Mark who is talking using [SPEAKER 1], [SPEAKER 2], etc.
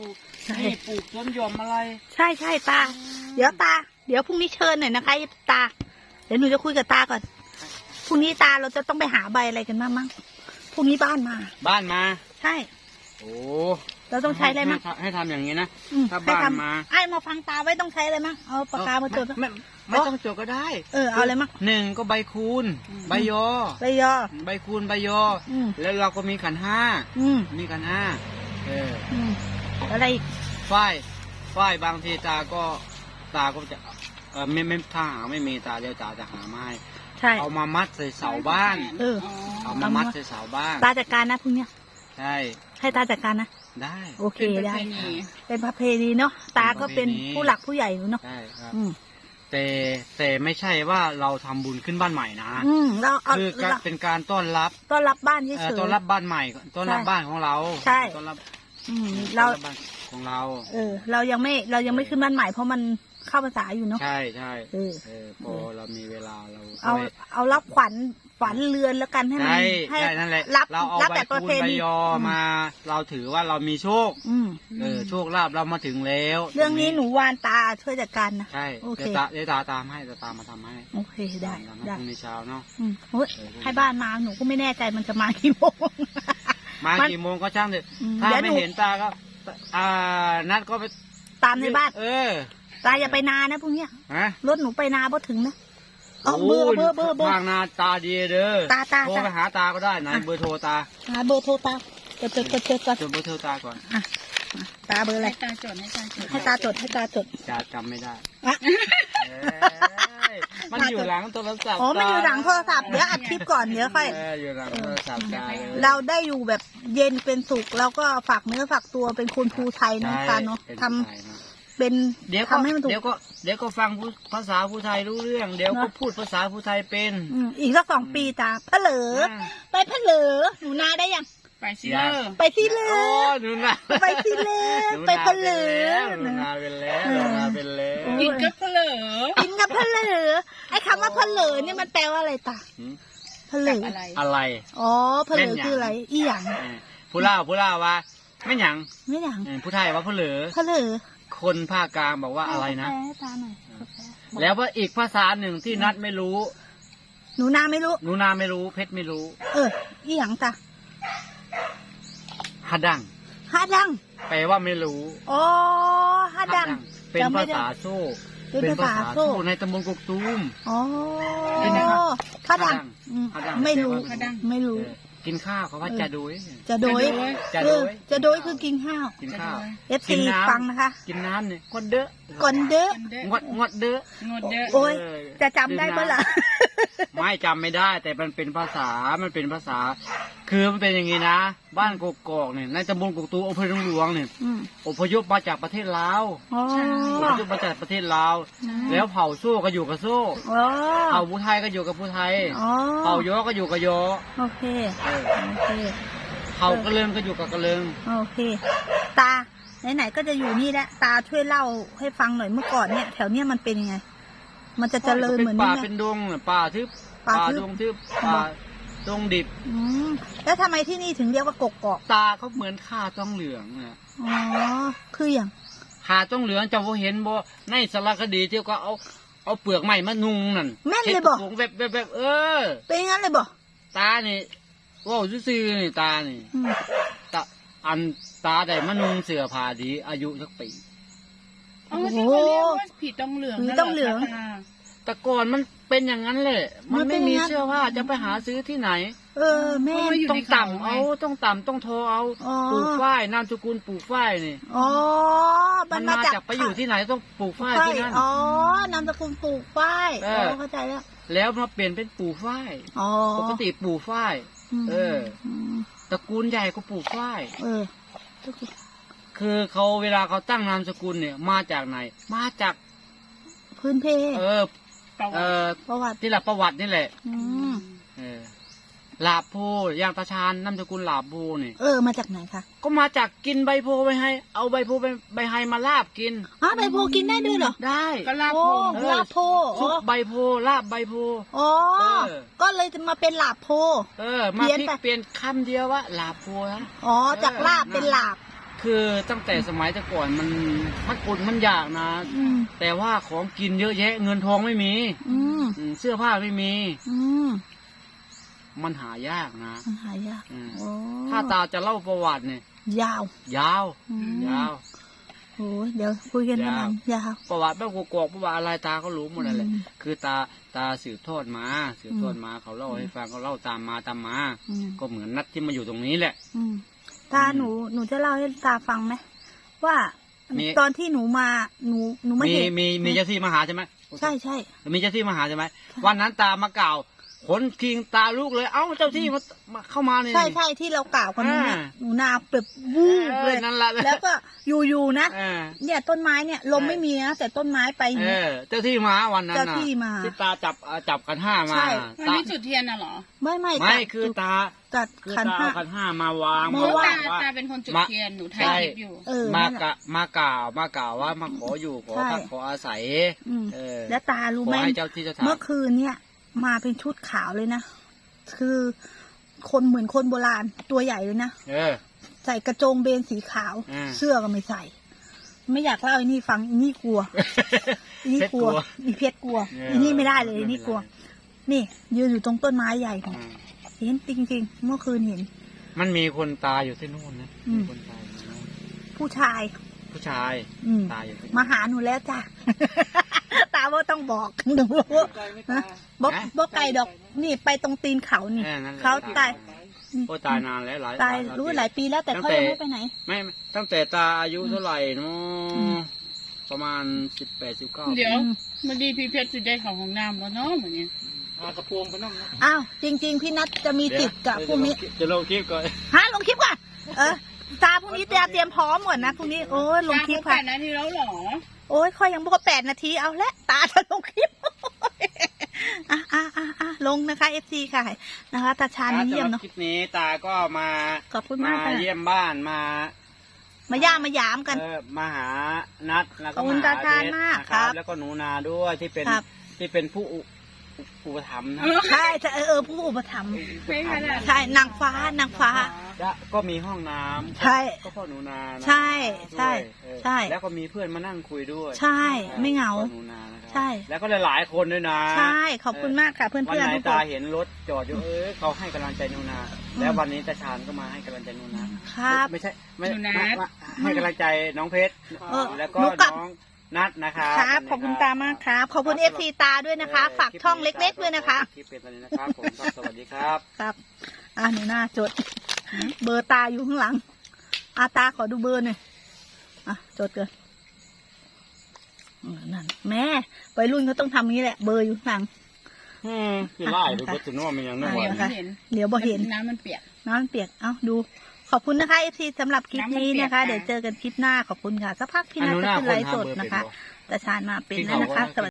[SPEAKER 1] ลูกนี่ปลูกสวนหย่อมอะไร
[SPEAKER 2] ใช่ใช่ตา เดี๋ยวตา เดี๋ยวพรุ่งนี้เชิญหน่อยนะคะตา เดี๋ยวหนูจะคุยกับตาก่อนพรุ่งนี้ตาเราจะต้องไปหาใบอะไรกันบ้างมั้งพรุ่งนี้บ้านมาใช่
[SPEAKER 1] โอ้
[SPEAKER 2] เราต้องใช้อะไรมั้ง
[SPEAKER 1] ให้ทำอย่างนี้นะถ้า
[SPEAKER 2] บ้าน
[SPEAKER 1] มา
[SPEAKER 2] ไอ้มาฟังตาไว้ต้องใช้อะไรมั้งเอาปากกามาจด
[SPEAKER 1] ไม่ต้องจดก็ได้
[SPEAKER 2] เอาอะไรมั้ง
[SPEAKER 1] 1ก็ใบคูณใบยอ
[SPEAKER 2] ใบคูณ
[SPEAKER 1] ใบยอแล้วเราก็มีขันห้ามีขันห้า
[SPEAKER 2] อะไรอีก
[SPEAKER 1] ฝ้ายบางทีตาก็จะไม่ถ้าหาไม่มีตาเดี๋ยวตาจะหาไม้เอามามัดใส่เสาบ้านเอามามัดใส่เสาบ้าน
[SPEAKER 2] ตาจัดการนะพรุ่งนี้
[SPEAKER 1] ใช่
[SPEAKER 2] ให้ตาจัดการนะ
[SPEAKER 1] ได้
[SPEAKER 2] โอเคได้เป็นประเพณีเนาะตาก็เป็นผู้หลักผู้ใหญ่เนาะ
[SPEAKER 1] ใช่ครับแต่ไม่ใช่ว่าเราทำบุญขึ้นบ้านใหม่นะคือเป็นการต้อนรับ
[SPEAKER 2] บ้านเฉย
[SPEAKER 1] ต้อนรับบ้านใหม่ต้อนรับบ้านของเรา
[SPEAKER 2] ใช่
[SPEAKER 1] ต้อนรับ
[SPEAKER 2] เรา
[SPEAKER 1] ของเรา
[SPEAKER 2] เรายังไม่ขึ้นบ้านใหม่เพราะมันเข้าภาษาอยู่เนาะ
[SPEAKER 1] ใช่พอเรามีเวลาเรา
[SPEAKER 2] เอารับขวัญเรือนแล้วกันให้มัน
[SPEAKER 1] ให้นั่นแหละเราเอาใบคูณใบยอมาเราถือว่าเรามีโชคโชคลาภเรามาถึงแล้ว
[SPEAKER 2] เรื่องนี้หนูวานตาช่วยจัดการนะ
[SPEAKER 1] ใช่เดี๋ยวตาตามให้ตามาทำให้
[SPEAKER 2] โอเคได้พรุ่
[SPEAKER 1] งนี้เช้าเนาะ
[SPEAKER 2] ให้บ้านมาหนูก็ไม่แน่ใจมันจะมากี่โมง
[SPEAKER 1] มากี่โมงก็ช่างเถอะถ้าไม่เห็นตาก็นัดก็ไป
[SPEAKER 2] ตามในบ้านตาอย่าไปนานะพวกเนี้ยรถหนูไปนาพอถึงนะ
[SPEAKER 1] เบอร์ทางนาตาดีเด้อโทรไปหาตาก็ได้ไหนเบอร์โทรตา
[SPEAKER 2] เบอร์โทรตาจดก่อน
[SPEAKER 1] จดเบอร์โทรตาก่อน
[SPEAKER 2] ตาเบอร์อะไรให้ตาจด
[SPEAKER 1] จำไม่ได้มันอยู่หลังโทรศัพท์
[SPEAKER 2] มันอยู่หลังโทรศัพท์เดี๋ยวอัดคลิปก่อนเดี๋ยวค่อย
[SPEAKER 1] อยู่หลังโทรศัพท์
[SPEAKER 2] เราได้อยู่แบบเย็นเป็นสุขแล้วก็ฝากเนื้อฝากตัวเป็นคนภูไทยนะตาเนาะทำเป็นทำให้มันถูก
[SPEAKER 1] เดี๋ยวก็ฟังภาษาภูไทยรู้เรื่องเดี๋ยวก็พูดภาษาภูไทยเป็น
[SPEAKER 2] อีกสัก2 ปีตาเพลอไปเพลอหนูนาได้ยัง
[SPEAKER 1] ไปสิเลย
[SPEAKER 2] หนูนาไปสิเลยไปเพลอ
[SPEAKER 1] หนูนาเป็นแล้ว
[SPEAKER 2] กินกับเพลอไอ้คำว่าเพลอนี่มันแปลว่าอะไรตาเพลอ
[SPEAKER 1] อะไร
[SPEAKER 2] อ๋อเพลอคืออะไรอีหยัง
[SPEAKER 1] ผู้เล่าว่าไม่หยังผู้ไทยว่าเพลอคนภาคกลางบอกว่าอะไรนะแล้วว่าอีกภาษาหนึ่งที่นัดไม่รู้
[SPEAKER 2] หนูนาไม่รู้
[SPEAKER 1] เพชรไม่รู้
[SPEAKER 2] อีหยังตา
[SPEAKER 1] ฮัดดังแปลว่าไม่รู้
[SPEAKER 2] อ๋อฮัดดัง
[SPEAKER 1] เป็นภาษาโซ่เป็นภาษาโซ่ในตำบลกกตูม
[SPEAKER 2] อ๋อฮัดดังไม่รู้
[SPEAKER 1] กินข้าวเขาว่าจะโดย
[SPEAKER 2] คือกินข้าว FC ฟังนะคะ
[SPEAKER 1] กินน้ำเนี่ยงดเด้องดเด้อ
[SPEAKER 2] โอ้ยจะจำได้เปล่า
[SPEAKER 1] ไม่จำไม่ได้แต่มันเป็นภาษาคือมันเป็นอย่างนี้นะบ้านกกอกเนี่ยในตำบลกกตูมอำเภอหลวงเนี่ยอพยพมาจากประเทศลาวแล้วเผ่าโซ่ก็อยู่กับโซ่เผ่าผู้ไทยก็อยู่กับผู้ไทยเผ่ายอก็อยู่กับยอ
[SPEAKER 2] โอเค
[SPEAKER 1] เผ่ากระเลิงก็อยู่กับกระเลิง
[SPEAKER 2] โอเคตาไหนๆก็จะอยู่นี่แหละตาช่วยเล่าให้ฟังหน่อยเมื่อก่อนเนี่ยแถวเนี้ยมันเป็นยังไงมันจะเจริญเหมือนนี่ไหม
[SPEAKER 1] ป่าเป็นดงป่าทึบป่าดงทึบป่าดงดิบ
[SPEAKER 2] แล้วทำไมที่นี่ถึงเรียกว่ากกอก
[SPEAKER 1] ตาเขาเหมือนข่าต้องเหลืองอ่ะ
[SPEAKER 2] คืออย่าง
[SPEAKER 1] ข่าต้องเหลืองจะเห็นบ่ในสารคดีที่ก็เอาเปลือกไม้มานุ่งนั่น
[SPEAKER 2] แม่นเลยบ่
[SPEAKER 1] แบบ
[SPEAKER 2] เป็นงั้นเลยบ่
[SPEAKER 1] ตานี่ว้าวซื่อๆนี่ตานี่ตาได้มานุ่งเสื้อผ้าดีอายุสักปี
[SPEAKER 3] ที่เขาเรียกว่าผีต้องเหลือง
[SPEAKER 1] แต่ก่อนมันเป็นอย่างนั้นแหละมันไม่มีเสื้อผ้าจะไปหาซื้อที่ไหน
[SPEAKER 2] แม่
[SPEAKER 1] ต้องต่ำต้องโทรเอาปลูกฝ้ายนามสกุลปลูกฝ้ายนี่มันมาจากไปอยู่ที่ไหนต้องปลูกฝ้ายที่นั่น
[SPEAKER 2] นามสกุลปลูกฝ้ายเข้าใจ
[SPEAKER 1] แล้วมาเปลี่ยนเป็นปลูกฝ้ายปกติปลูกฝ้ายตระกูลใหญ่ก็ปลูกฝ้ายคือเขาเวลาเขาตั้งนามสกุลเนี่ยมาจากไหนมาจาก
[SPEAKER 2] พื้นเพ
[SPEAKER 1] ประวัติที่หลักประวัตินี่แหละลาบโพยางตาชานนามสกุลลาบโพนี่
[SPEAKER 2] มาจากไหนคะ
[SPEAKER 1] ก็มาจากกินใบโพไปให้เอาใบโพใบไฮมาลาบกิน
[SPEAKER 2] ใบโพกินได้ด้วยเหรอ
[SPEAKER 1] ได้
[SPEAKER 3] ก็ลาบ
[SPEAKER 2] โพ
[SPEAKER 1] ซุปใบโพลาบใบโพ
[SPEAKER 2] ก็เลยจะมาเป็นลาบโพ
[SPEAKER 1] มาพลิกเปลี่ยนคำเดียวว่าลาบโพนะ
[SPEAKER 2] จากลาบเป็นลาบ
[SPEAKER 1] คือตั้งแต่สมัยแต่ก่อนมันอดมันอยากนะ แต่ว่าของกินเยอะแยะเงินทองไม่มีเสื้อผ้าไม่มีมันหายากนะ
[SPEAKER 2] มันหายาก
[SPEAKER 1] ถ้าตาจะเล่าประวัติเนี่ย
[SPEAKER 2] ยาวโอ้เดี๋ยวคุยกันนานยาว
[SPEAKER 1] ประวัติบ้านกอกประวัติอะไรตาก็รู้หมดเลยคือตาสืบทอดมาเขาเล่าให้ฟังเขาเล่าตามมาก็เหมือนนัดที่มาอยู่ตรงนี้แหละ
[SPEAKER 2] ตาหนูจะเล่าให้ตาฟังไหมว่าตอนที่หนูมาหนูไม่เห็น
[SPEAKER 1] มีเจ้าที่มาหาใช่ไหม
[SPEAKER 2] ใช่
[SPEAKER 1] มีเจ้าที่มาหาใช่ไหมวันนั้นตามากล่าวขนคิงตาลูกเลยเอ้าเจ้าที่มาเข้ามาเนี่ย
[SPEAKER 2] ใช่ที่เรากล่าวกันนี่หนูนาแบบวูบเลยแล้วก็อยู่นะเนี่ยต้นไม้เนี่ยลมไม่มีนะแต่ต้นไม้ไป
[SPEAKER 1] เจ้าที่มาวันนั้น
[SPEAKER 2] เจ้าที่มา
[SPEAKER 1] ที่ตาจับกัน5มา
[SPEAKER 3] วันนี้จุดเทียนน่ะเหรอ
[SPEAKER 1] ไม่คือตา
[SPEAKER 2] จัดขัน
[SPEAKER 1] ห้ามาวาง
[SPEAKER 3] ตาเป็นคนจุดเทียนหนูถ่ายคลิปอยู่
[SPEAKER 1] มากล่าวว่ามาขออยู่ขอพักขออาศัย
[SPEAKER 2] แล้วตารู้ไหมเมื่อคืนเนี่ยมาเป็นชุดขาวเลยนะคือคนเหมือนคนโบราณตัวใหญ่เลยนะใส่กระโจงเบนสีขาวเสื้อก็ไม่ใส่ ไม่อยากเล่าอันนี้ฟังอันนี้กลัวอันนี้กลัวอีเพชรกลัวอันนี้ไม่ได้เลยอันนี้กลัวนี่ยืนอยู่ตรงต้นไม้ใหญ่เห็นจริงๆเมื่อคืนเห็น
[SPEAKER 1] มันมีคนตายอยู่ที่นู่นนะมีคนตาย
[SPEAKER 2] ผู้ชาย
[SPEAKER 1] ตายอยู่
[SPEAKER 2] มาหาหนูแล้วจ้ะตาว่าต้องบอกหนูบอกไก่ดอกนี่ไปตรงตีนเขานี่เขาตาย
[SPEAKER 1] ตายนานแล้ว
[SPEAKER 2] ตายรู้หลายปีแล้วแต่เขายังไม่ไปไหน
[SPEAKER 1] ไม่ตั้งแต่ตาอายุเท่าไหร่เนาะประมาณ18-19
[SPEAKER 3] เดี๋ยวมันดีพี่เพชรจะได้ของน้ำแล้วเนาะเหมือนนี้
[SPEAKER 1] กระพวงไปนั่ง
[SPEAKER 2] อ้าวจริงๆพี่นัทจะมีติดกับพวกนี้
[SPEAKER 1] จะลงคลิปก่อน
[SPEAKER 2] ลงคลิปก่อนตาพรุ่งนี้เตรียมพร้อมหมดนะพรุ่งนี้โอ้ยลงคลิปค่ะ
[SPEAKER 3] 8 นาทีแล้วหรอ
[SPEAKER 2] โอ้ยค่อยยังบอก8 นาทีเอาละตาจะลงคลิปลงนะคะ FC ค่ะนะคะตาชาญมาเยี่ยมเนาะ
[SPEAKER 1] คลิปนี้ตาก็มา
[SPEAKER 2] ขอบคุณมาก
[SPEAKER 1] มาเยี่ยมบ้าน
[SPEAKER 2] มาย่ามายามกัน
[SPEAKER 1] มาหานัดแล้วก็มา
[SPEAKER 2] ตาชาญมากครับ
[SPEAKER 1] แล้วก็หนูนาด้วยที่เป็นผู้อุปถัมภ์นะ
[SPEAKER 2] ใช่ผู้อุปถัมภ์ใช่นางฟ้า
[SPEAKER 1] ก็มีห้องน้ำ
[SPEAKER 2] ใช่
[SPEAKER 1] ก็พ่อหนูนา
[SPEAKER 2] ใช่
[SPEAKER 1] แล้วก็มีเพื่อนมานั่งคุยด้วย
[SPEAKER 2] ใช่ไม่เหงาใช่
[SPEAKER 1] แล้วก็หลายคนด้วยนะ
[SPEAKER 2] ใช่ขอบคุณมากค่ะเพื่อน
[SPEAKER 1] วันไหนตาเห็นรถจอดอยู่เขาให้กำลังใจหนูนาแล้ววันนี้ตาชาญก็มาให้กำลังใจหนูนา
[SPEAKER 2] ครับ
[SPEAKER 1] ไม่ใช่ไม่ให้กำลังใจน้องเพชรแล้วก็น้องนัดนะคะ
[SPEAKER 2] ครับขอบคุณตามากครับขอบคุณ FC ตาด้วยนะคะฝากช่องเล็กๆด้วยนะคะ
[SPEAKER 1] ที่เป็นวันนี้นะครับผมสวัสดีครับ
[SPEAKER 2] ครับหนูหน้าจดเบอร์ตาอยู่ข้างหลังตาขอดูเบอร์หน่อยจดเกินนั่นแม่ไปรุ่นเขาต้องทำนี้แหละเบอร์อยู่ข้างหลัง
[SPEAKER 1] คือไล่ดูก็จะนึกว่ามันยังนึกว่า
[SPEAKER 2] เดี๋ยวบ่เห็น
[SPEAKER 3] น้ำมันเปียก
[SPEAKER 2] ดูขอบคุณนะคะ FC สำหรับคลิปนี้นะคะเดี๋ยวเจอกันคลิปหน้าขอบคุณค่ะสักพักพี่นัทจะขึ้นไลฟ์สดนะคะตาชาญมาเป็นแล้วนะคะ